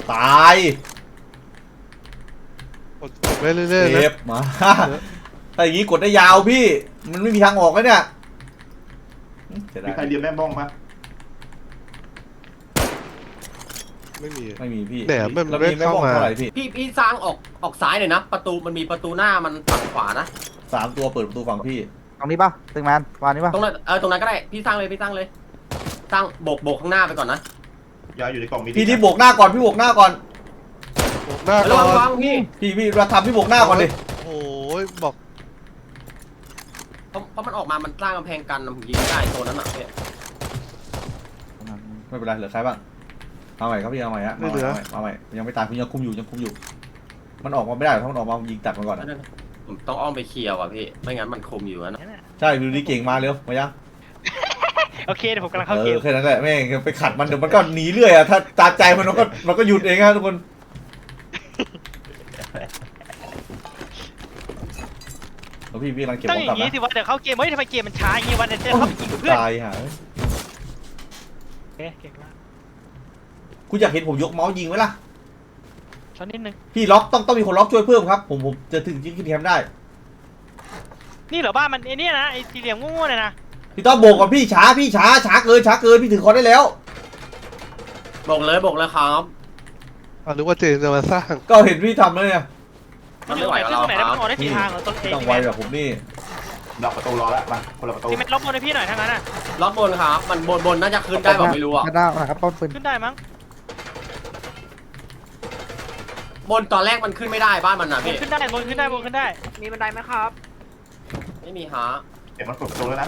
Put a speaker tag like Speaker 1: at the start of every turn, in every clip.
Speaker 1: ตาย
Speaker 2: กดไปเรื่อยๆ
Speaker 1: เซ
Speaker 2: นะ
Speaker 1: ฟมาถ้าอย่างนี้กดได้ยาวพี่มันไม่มีทางออกแล้วเนี่ยจะได้
Speaker 3: มีใครเรียนแม่บ้องปะ
Speaker 2: ไม่มี
Speaker 1: ไม่มีพี่
Speaker 2: แหนมมัน
Speaker 1: แล้ว
Speaker 2: ไม่
Speaker 1: มีแม่
Speaker 2: เข้า
Speaker 1: บ้อง
Speaker 2: มา
Speaker 1: เท่าไหร่พี่
Speaker 4: พี่สร้างออกซ้ายหน่อยนะประตูมันมีประตูหน้ามันฝั่งขวานะ
Speaker 1: 3 ตัวเปิดประตูฝั่งพี่
Speaker 5: ตรงนี้ป่ะตึงแมนวานนี้ป่ะ
Speaker 4: ตรงนั้นตรงนั้นก็ได้พี่สร้างเลยสร้างโบกข้างหน้าไปก่อนนะ
Speaker 3: ยาอยู่ในกล่องมี
Speaker 1: พี่ที่โบกหน้าก่อนพี่โบกหน้าก่อน
Speaker 2: หน้า
Speaker 4: ระ
Speaker 2: ก่อ
Speaker 4: วัง
Speaker 2: น
Speaker 4: พี่
Speaker 1: เราทำพี่โบกหน้าก่อนดิ
Speaker 2: โอ้ยบอก
Speaker 4: เพราะมันออกมามันสร้างกำแพงกันผมยิงไม่ได้ตัวนั้นอ่ะพี่
Speaker 1: ไม่เป็นไรเหลือใครบ้างเอาใหม่ครับพี่เอาใหม่ฮะเอาใหม่ยังไม่ตายพี่ยังคุมอยู่มันออกมาไม่ได้ถ้ามันออกมายิงตัดมันก่อน
Speaker 4: ผมต้องอ้อมไปเคลียร์ว่ะพี่ไม่งั้นมันคุมอยู่นะ
Speaker 1: ใช่ดูดีเก่งมาเร็วมายัง
Speaker 6: โอเคเดี๋ยวผมกำลังเข้าเกม
Speaker 1: แค่นั้นแหละแม่งไปขัดมันเดี๋ยวมันก็หนีเรื่อยอะถ้าตาใจมันก็หยุดเองฮะทุกคนแล้วพี่กำลังเก็บ
Speaker 6: ต้
Speaker 1: ข
Speaker 6: อง
Speaker 1: อง
Speaker 6: อก
Speaker 1: ลับ
Speaker 6: ย่างนี้
Speaker 1: นะ
Speaker 6: สิว่าเดี๋ยวเข้าเกมเฮ้ยทำไมเกมมันช้าอย่างงี้วันเดี๋ยวจะเข้าไปยิงกับเพื่อน
Speaker 1: ตายฮะ
Speaker 6: เอ๊ะเก่งมาก
Speaker 1: คุณอยากเห็นผมยกเมาส์ยิงไหมล่ะ
Speaker 6: ช้อนนิดนึง
Speaker 1: พี่ล็อกต้องมีคนล็อกช่วยเพิ่มครับผมจะถึงยิงขึ้นแคมป์ได้
Speaker 6: นี่เหรอบ้านมันไอ้นี่นะไอ้สี่เหลี่ยมงูๆเนี่ยนะ
Speaker 1: พี่ต้องโบกก่อนพี่ช้าเกินพี่ถือคอนได้แล้ว
Speaker 4: บอกเลยครับ
Speaker 2: นึกว่าเจนจะมาสร้าง
Speaker 1: ก็เห็นพี่ทำแล้วเนี่ย
Speaker 4: มันไม่ไหวกับเรา
Speaker 6: ตรงไหน
Speaker 4: ค
Speaker 6: ได้
Speaker 4: รับ
Speaker 6: มันออกได้สี่ทางเหรอต้นเอ
Speaker 1: ต้อง
Speaker 6: ซี
Speaker 1: ไว
Speaker 6: แมน
Speaker 1: แบบผมนี่
Speaker 3: ดับประตูรอแล้วมาคนละประตู
Speaker 6: ซีแมนลบบนให้พี่หน่อยทั้งนั้นอ่ะ
Speaker 4: ล็อกบนครับมันบนน่าจะขึ้นได้แบบไม่รู้อ่ะ
Speaker 5: กระด้างนะครับป้อมปืน
Speaker 6: ขึ้นได้มั้ง
Speaker 4: บนตอนแรกมันขึ้นไม่ได้บ้านมันนะ
Speaker 6: บน
Speaker 4: พี่
Speaker 6: ขึ้นได้บนขึ้นได้บนขึ้นได้
Speaker 7: มีบันไดไหมครับ
Speaker 4: ไม่มีฮะ
Speaker 3: เดี๋ยวมันเปิดประตูแล้วนะ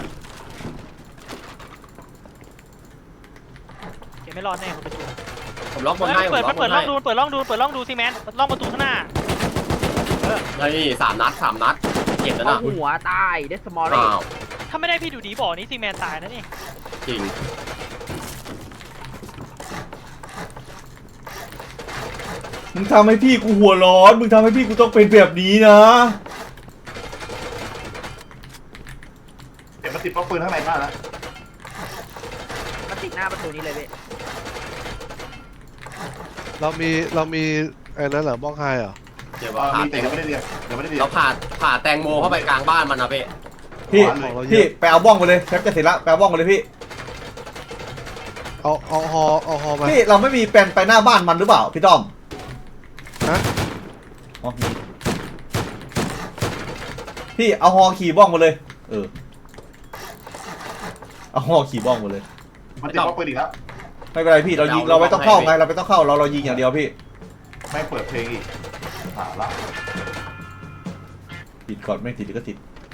Speaker 6: เกมไม่รอดแน่คนประจุ
Speaker 4: ผมล็อกบนให้ผม
Speaker 6: เปิด
Speaker 4: ล็อกบ
Speaker 6: เปิด
Speaker 4: น
Speaker 6: ล่อ
Speaker 4: ให้
Speaker 6: งดูเปิดล่องดูซีแมนล่องประตูข้างหน้า
Speaker 4: เฮ้ย3 นัดเจ็บแล้ว
Speaker 7: เอา
Speaker 4: นะ
Speaker 7: หัวตายเดสมอลเล
Speaker 4: อ้าว
Speaker 6: ถ้าไม่ได้พี่ดูดีบอกนี่ซีแมนตายนะนี่
Speaker 4: จริง
Speaker 1: มึงทำให้พี่กูหัวร้อนมึงทำให้พี่กูต้องเป็นแบบนี้นะ
Speaker 3: เดี๋ยวมันติดป้อมปืนข้างในบ้านแล้ว
Speaker 7: มันติดหน้าประตูนี้เลยพี่
Speaker 2: เรามีไอ้นั้นเหรอบ้องไฮเหรอ
Speaker 4: เดี๋ยวว่าผ่า
Speaker 3: มี
Speaker 4: แต
Speaker 3: แต่
Speaker 4: ง
Speaker 3: ยังไม่ได้เรียนยังไม่ได้เรียน
Speaker 4: เราผ่าแตงโมเข้าไปกลางบ้านมันนะพี่
Speaker 1: พี่ไปเอาบ้องไปเลยแคปจะเสร็จแล้วไปเอาบ้องไปเลยพี่
Speaker 2: เอาฮอมา
Speaker 1: พี่เราไม่มีแปลนไปหน้าบ้านมันหรือเปล่าพี่ต้อม
Speaker 2: ฮะ
Speaker 1: อ๋อมีพี่เอาฮอขี่บ้องมาเลยเอาฮอขี่บ้องมาเลย
Speaker 3: มันติดป้อมปืนอีกแล้ว
Speaker 1: ไม่เป็นไรพี่เรายิงเราไม่ต้องเข้าไงเราไม่ต้องเข้าเรายิงอย่างเดียวพี่
Speaker 3: ไม่เปิดเพลงอีกละ
Speaker 1: ติดก่อนไม่ติดก็ติด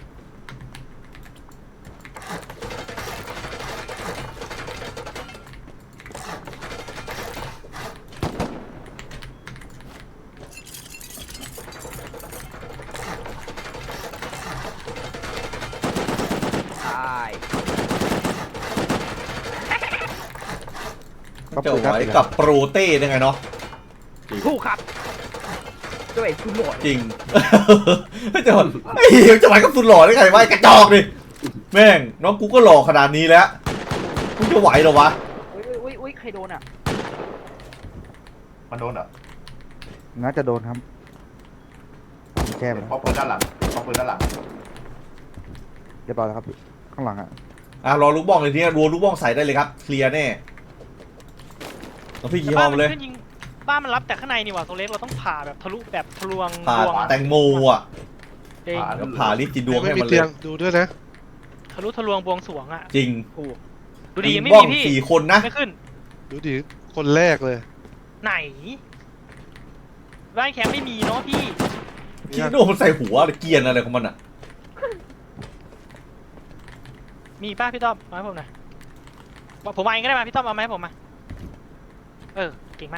Speaker 7: ตาย
Speaker 1: จะไหวกับโปรเต้ได้ไงเนาะ
Speaker 7: ถูกครับด้วยคุณโหลด
Speaker 1: จริง จะหไอ้เหี้ยจะไหวกับสุดหล่อได้ไงวะไอ้กระจอกดิแม่งน้องกูก็หล่อขนาดนี้แล้วกูจะไหวเหรอวะ
Speaker 7: อุ้ยใครโดนอ่ะ
Speaker 3: มันโดนเหรอ
Speaker 5: น่าจะโดนครับแก้ไปแล้ว
Speaker 3: ป้อมปืนด้านหลังป้อมปืนด้านหลัง
Speaker 5: เรียบร้อยแล้วครับข้างหลังอ่ะ
Speaker 1: รอลูกบ้องเลยทีนี้รัวลูกบ้องใส่ได้เลยครับเคลียร์แน่แล้วพี่
Speaker 6: แต่
Speaker 1: ขี่ฮ
Speaker 6: บ้า
Speaker 1: อน มาเลย
Speaker 6: ขึ้นยิงบ้านมันรับแต่ข้างในนี่หว่าโซเล็กเราต้องผ่าแบบทะลุแบบทะลวง
Speaker 1: ผ่า
Speaker 6: ดวง
Speaker 1: แตงโมอ่ะ
Speaker 6: จริง
Speaker 1: แล้วผ่าลิฟต์จินดวง
Speaker 2: ไม่
Speaker 1: ให้
Speaker 2: มี
Speaker 1: มันเล
Speaker 2: เตีย
Speaker 1: ย
Speaker 2: งดูด้วยนะ
Speaker 6: ทะลุทะลวงบวงสรวงอ่ะ
Speaker 1: จริง
Speaker 6: ถูกดูดีไม่
Speaker 1: บ้อ
Speaker 6: มี
Speaker 1: ง
Speaker 6: พี่
Speaker 1: 4 คนนะ
Speaker 6: ไม่ขึ้น
Speaker 2: ดูดิคนแรกเลย
Speaker 6: ไหนบ้านแคมป์ไม่มีเนาะพี่
Speaker 1: คิดโดมันใส่หัวเกียนอะไรของมันอ่ะ
Speaker 6: มีป้าพี่ต้อมมาให้ผมหน่อยผมมาเองก็ได้มาพี่ต้อมเอามาให้ผมมาเก่งมาก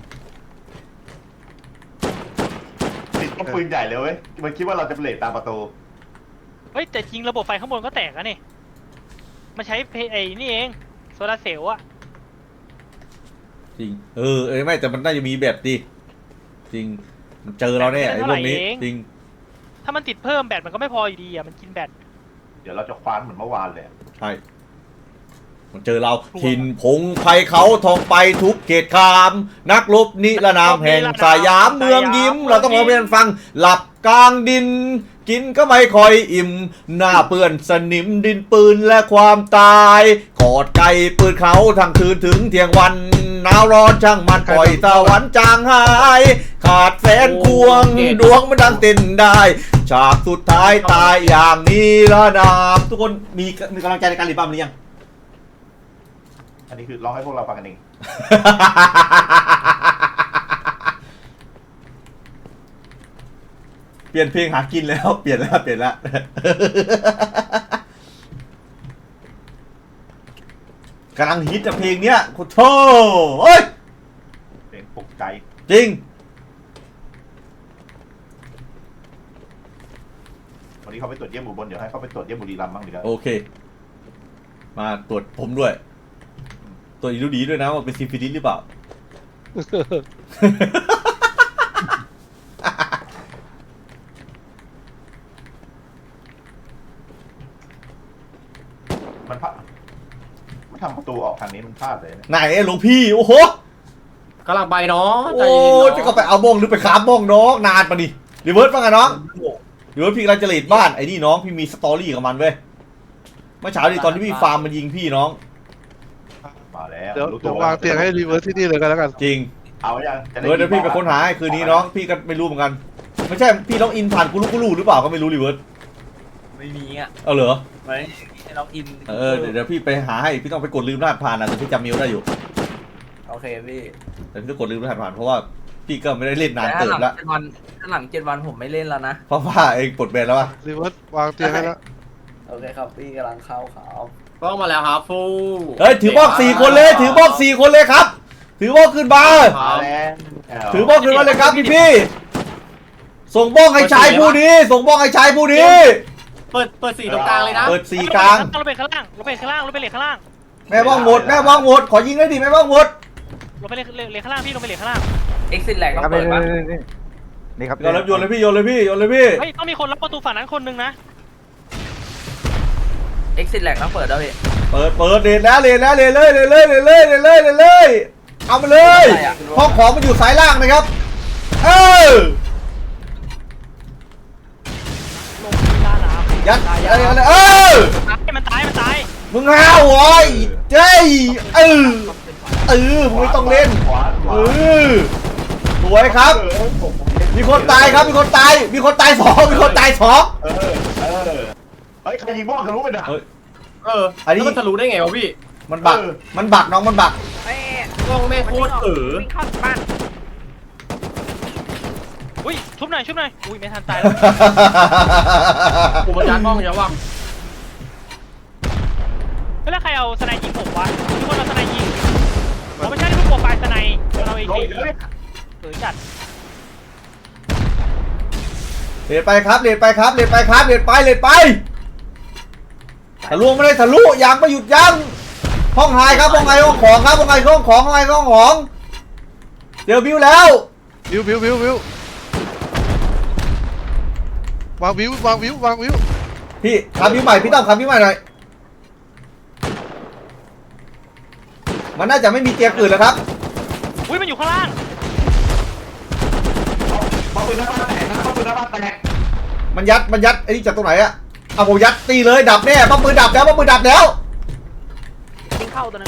Speaker 3: ติดป้อมปืนใหญ่เลยเว้ยมันคิดว่าเราจะเลทตามประตู
Speaker 6: เฮ้ยแต่จริงระบบไฟข้างบนก็แตกแล้วนี่มาใช้ไอ้นี่เองโซลาร์เซลล์อะ
Speaker 1: จริงไม่แต่มันน่าจะมีแบบดิจริงมันเจอเราแน่ไอ้พวกนี้จริง
Speaker 6: ถ้ามันติดเพิ่มแบตมันก็ไม่พออยู่ดีอะมันกินแบต
Speaker 3: เดี๋ยวเราจะคว้านเหมือนเมื่อวานเลย
Speaker 1: ใช่มันเจอเราถิ่นพงไพเขาทองไปทุกเขตคาม นักรบนิรนามแห่งสยามเมืองยิ้ม เราต้องร้องเพลงฟังหลับกลางดิน กินก็ไม่ค่อยอิ่ม หน้าเปื้อนสนิมดินปืนและความตายกอดไก่ปืนเขาทั้งคืนถึงเที่ยงวันหนาวร้อนช่างมันปล่อยตะวันจางหาย ขาดแฟนควงดวงมันดังเต้นได้ฉากสุดท้ายตายอย่างนี้ละนามทุกคนมีกำลังใจในการรีบัมหรือยัง
Speaker 3: อันนี้คือร้องให้พวกเราฟังกันเอง
Speaker 1: เปลี่ยนเพลงหากินแล้วเปลี่ยนแล้ว กำลังฮิตอะเพลงเนี้ยโคตรโธ่เฮ้ย
Speaker 3: เพลงปลุกใจ
Speaker 1: จริง
Speaker 3: วันนี้เขาไปตรวจเยี่ยมอุบลเดี๋ยวให้เขาไปตรวจเยี่ยมบุรีรัมย์บ้างดีกว่า
Speaker 1: โอเค มาตรวจผมด้วยตรวจอีดูดีด้วยนะว่าเป็นซิฟิลิสหรือเปล่า
Speaker 3: มันพลาดมันทำประตูออกทางนี้มันพลาดเลยเนี่ย
Speaker 1: ไหนหลวงพี่โอ้โห
Speaker 4: กำลังไปเนาะใจ
Speaker 1: โอ้
Speaker 4: เย็น
Speaker 1: จะ
Speaker 4: เนาะ
Speaker 1: ก็ไปเอาบ้องหรือไปขาบบ้องน้องนานปะนี่รีเวิร์สป่ะไงน้องรีเวิร์สพี่กำลังจะเลดบ้านไอ้นี่น้องพี่มีสตอรี่กับมันเว้ยเมื่อเช้าดิตอนที่พี่ฟาร์มมันยิงพี่น้อง
Speaker 3: มาแล้ว
Speaker 2: เดี๋ยว
Speaker 3: รู้
Speaker 2: เดี๋ยว
Speaker 3: ตัว
Speaker 2: วางเตียงให้รีเวิร์สที่นี่เลยกันแล้วกัน
Speaker 1: จริง
Speaker 3: เอายังจะ
Speaker 1: เดี๋ยวพี่ไปค้นหาให้คืนนี้น้องพี่ก็ไม่รู้เหมือนกันไม่ใช่พี่ล็อกอินผ่านกูรู้หรือเปล่าก็ไม่รู้รีเวิร์ส
Speaker 8: ไม่มีอ่ะ
Speaker 1: เอาเหรอ
Speaker 8: ไม่ให้ล็อกอิน
Speaker 1: เดี๋ยวพี่ไปหาให้พี่ต้องไปกดลืมรหัสผ่านนะแต่พี่จำเมลได้อยู่
Speaker 8: โอเคพี่
Speaker 1: แต่พี่ต้องกดลืมรหัสผ่านเพราะว่าพี่ก็ไม่ได้เล่นนาน
Speaker 8: แต่
Speaker 1: เติบแล้ว
Speaker 8: ถ้าหลัง7 วันผมไม่เล่นแล้วนะ
Speaker 1: เพราะว่าเองปลดแบนแล้วอะ
Speaker 2: รีเวิร์สวางเตียงให้แล้ว
Speaker 8: โอเคครับพี่กำลังเข้าขาว
Speaker 4: กล้องมาแล้วครับฟู
Speaker 1: เฮ้ยถือบอก4 คนเลยถือบอก4 คนเลยครับ ถือบอกขึ้นมา
Speaker 3: มาแล้ว
Speaker 1: ถือบ้องขึ้นมาเลยครับพี่ส่งบ้องให้ชายผู้นี้ ส่งบ้องให้ชายผู้นี้
Speaker 4: เปิดสีตรงกลางเลยนะ
Speaker 1: เปิดสีกลาง
Speaker 6: ลงไปข้างล่างลงไปข้างล่างลงไปเหล็กข้างล่าง
Speaker 1: แม่บ้องหมดแม่บ้องหมดขอยิงได้ดิแม่บ้องหมด
Speaker 6: ลงไปเหล็กข้างล่างพี่ลงไปเหล็กข้างล่าง
Speaker 8: exit แหลก
Speaker 5: ค
Speaker 8: ต้
Speaker 5: รั
Speaker 8: อบ งเปิดปะ
Speaker 5: นี่ครับ
Speaker 1: โยนเลยพี่โยนเลยพี่
Speaker 6: เฮ้ยต้องมีคนล็อกประตูฝั่งนั้นคนนึงนะ
Speaker 8: exit แหลกต้องเปิดแล้วพี่
Speaker 1: เปิดเดทแล้วเลยเอามาเลยห้องของมันอยู่สายล่างนะครับเออ
Speaker 6: ลงที่ล่าน้ำ
Speaker 1: ยัดอะไรเออ
Speaker 6: มันตาย
Speaker 1: มึงห้าวโว้ยเจ้ยมึงไม่ต้องเล่น
Speaker 3: ขวา
Speaker 1: สวยครับ มีคนตายครับมีคนตายสองมีคนตายสอง
Speaker 3: เฮ้ยใครยิงบ้องทะลุไปนะ
Speaker 1: อันนี้
Speaker 4: แล้วมันทะลุได้ไงวะพี่
Speaker 1: มันบักน้องมันบัก
Speaker 7: เอ้ย
Speaker 4: กล้องแม่โคตร
Speaker 7: วิ่งเข้าบ้าน
Speaker 6: อุ้ยชุบหน่อยอุ้ยไม่ทันตายแล้ว
Speaker 4: กูมันยัดกล้องเยอะว่ะ
Speaker 6: แล้วใครเอาสไนยิงผมวะมีคนเอาสไนยิงผมไม่ใช่ที่พวกโปรไฟล์สไนเราเองจัด
Speaker 1: เลดไปครับเลดไปทะลุไม่ได้ทะลุยังไม่หยุดยั้งห้องไฮครับห้องไฮห้องของครับห้องไฮห้องของเดี๋ยวบิวแล้ว
Speaker 2: วิววางวิว
Speaker 1: พี่คำบิวใหม่พี่ต้องคำบิวใหม่หน่อยมันน่าจะไม่มีเตียงอื่นแล้วครับ
Speaker 6: อุ้ยมันอยู่ข้างล่าง
Speaker 3: บ้องปืนหน้าบ้านแตกนะบ้องปืนหน้าบ้านแตก
Speaker 1: มันยัดไอ้นี่จากตรงไหนอะเอาผมยัดตีเลยดับแน่ป้อมปืนดับแล้ว
Speaker 7: วิ่งเข้าตัวนึง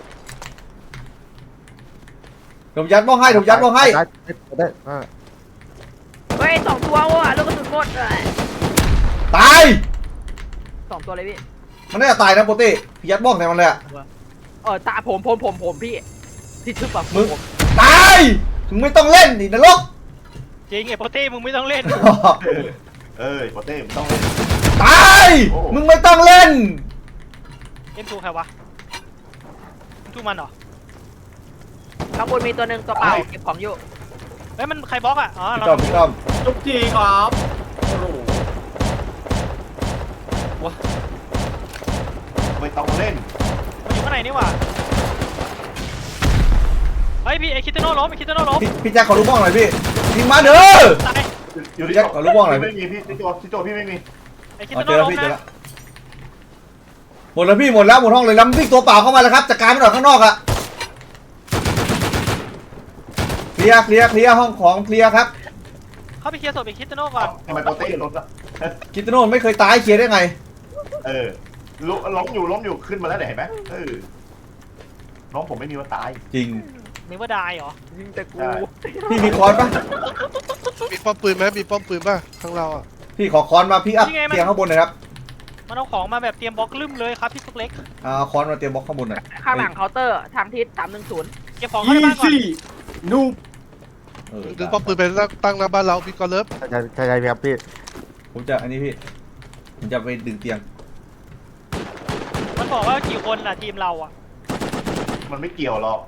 Speaker 1: ผมยัดบ้องให้
Speaker 5: ได้
Speaker 7: เฮ้ย2 ตัวว่ะลูกกระสุนหมดเลย
Speaker 1: ตาย
Speaker 7: 2 ตัวเลยพี่
Speaker 1: มันน่าจะตายนะโปเต้พี่ยัดบ้องใส่มันเลยอะ
Speaker 7: ตาผมพี่ที่ทึบแบบ
Speaker 1: มึงตายมึงไม่ต้องเล่นดินรก
Speaker 6: จริงไอ้โปเต้มึงไม่ต้องเล่น
Speaker 3: โปเต้มันต้องเล่น
Speaker 1: ตายมึงไม่ต้องเล่น
Speaker 6: M2 ใครวะ M2 มันเหรอ
Speaker 7: ข้างบนมีตัวหนึ่งตัวเปล่าเก็บของอยู่
Speaker 6: เฮ้ยมันใครบล็อกอ่ะอ๋อ
Speaker 1: พี่
Speaker 6: เรา
Speaker 1: ต้อม
Speaker 4: ทุกทีครับโอ้โห
Speaker 3: ไม่ต้องเล่น
Speaker 6: มันอยู่ข้างในนี่หว่าเฮ้ยพี่ไอคิตโน่ล้ม
Speaker 1: พี่แจ็คขอรู้บ้องหน่อยพี่ยิงมาเด้อ
Speaker 6: ตาย
Speaker 3: อยู่ที่
Speaker 1: แจ็คขอรู้บ้องหน่อย
Speaker 3: ไม่มีพี่ที่โจไม่มี
Speaker 6: ไอคิต
Speaker 1: อ๋อ
Speaker 6: โน่
Speaker 1: เจอแล้ว
Speaker 6: ล้ม
Speaker 1: พี่เจอ
Speaker 6: นะ
Speaker 1: แล้วหมดแล้วพี่หมดแล้วหมดห้องเลยแล้ววิ่งตัวเปล่าเข้ามาแล้วครับจัดการมันออกข้างนอกอะเคลียร์ห้องของเคลียร์ครับ
Speaker 6: เข้าไปเคลียร์ศพไอ้คิสโน่ก่อน
Speaker 3: ทำไมโปรเต้รถอะ
Speaker 1: คิดโน่ไม่เคยตายเคลียร์ได้ไง
Speaker 3: ล้มอยู่ขึ้นมาแล้วเนี่ยเห็นไหมน้องผมไม่มีวันตาย
Speaker 1: จริง
Speaker 6: นึกว่าได้เหรอ
Speaker 7: ยิงแต่กู
Speaker 3: ใช่
Speaker 1: พี่มีคอนปะ
Speaker 2: มีป้อมปืนไหมมีป้อมปืนป่ะข้างเราอ่ะ
Speaker 1: พี่ขอคอนมาพี่อัพเตียงข้างบนหน่อยครับ
Speaker 6: มันเอาของมาแบบเตรียมบล็อกลืมเลยครับพี่ซุกเล็ก
Speaker 1: คอนมาเตรียมบล็อกข้างบนหน่อย
Speaker 7: ข้างหลังเคาน์เตอร์ทางทิศ310
Speaker 6: เก็บของเข้าในบ้านก่อน
Speaker 4: นูบ
Speaker 2: ดึงป้อมปืนไปตั้งหน้าบ้านเราพี่กอล์ฟเลิฟ
Speaker 5: ใช่ครับพี่
Speaker 1: ผมจะอันนี้พี่ผมจะไปดึงเตียง
Speaker 6: มันบอกว่ากี่คนล่ะทีมเราอ่ะ
Speaker 3: มันไม่เกี่ยวหรอก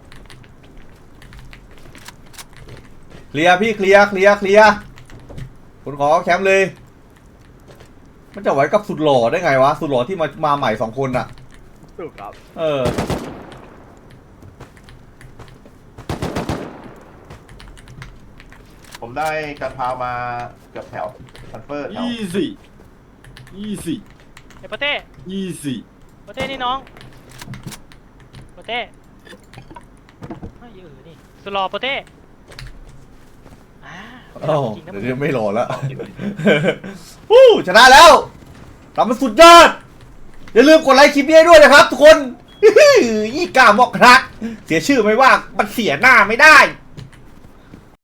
Speaker 1: เคลียร์พี่เคลียร์คุณขอแคมป์เลย มันจะไหวกับสุดหล่อได้ไงวะสุดหล่อที่มาใหม่2 คนอะ
Speaker 7: ถูกครับ
Speaker 3: ผมได้การพามาเกือบแถวซันเฟอร์แถว
Speaker 4: easy
Speaker 6: ไอ้โปเต้
Speaker 4: easy
Speaker 6: โปเต้นี่น้องโปเต้ไม่นี่สุดหล่อโปเต้จริงนะมึง
Speaker 1: เดี๋ยวไม่หล่อแล้ว วู้ชนะแล้วทำมันสุดยอดอย่าลืมกดไลค์คลิปนี้ด้วยนะครับทุกคน ยี่กล้ามอกครักเสียชื่อไม่ว่ามันเสียหน้าไม่ได้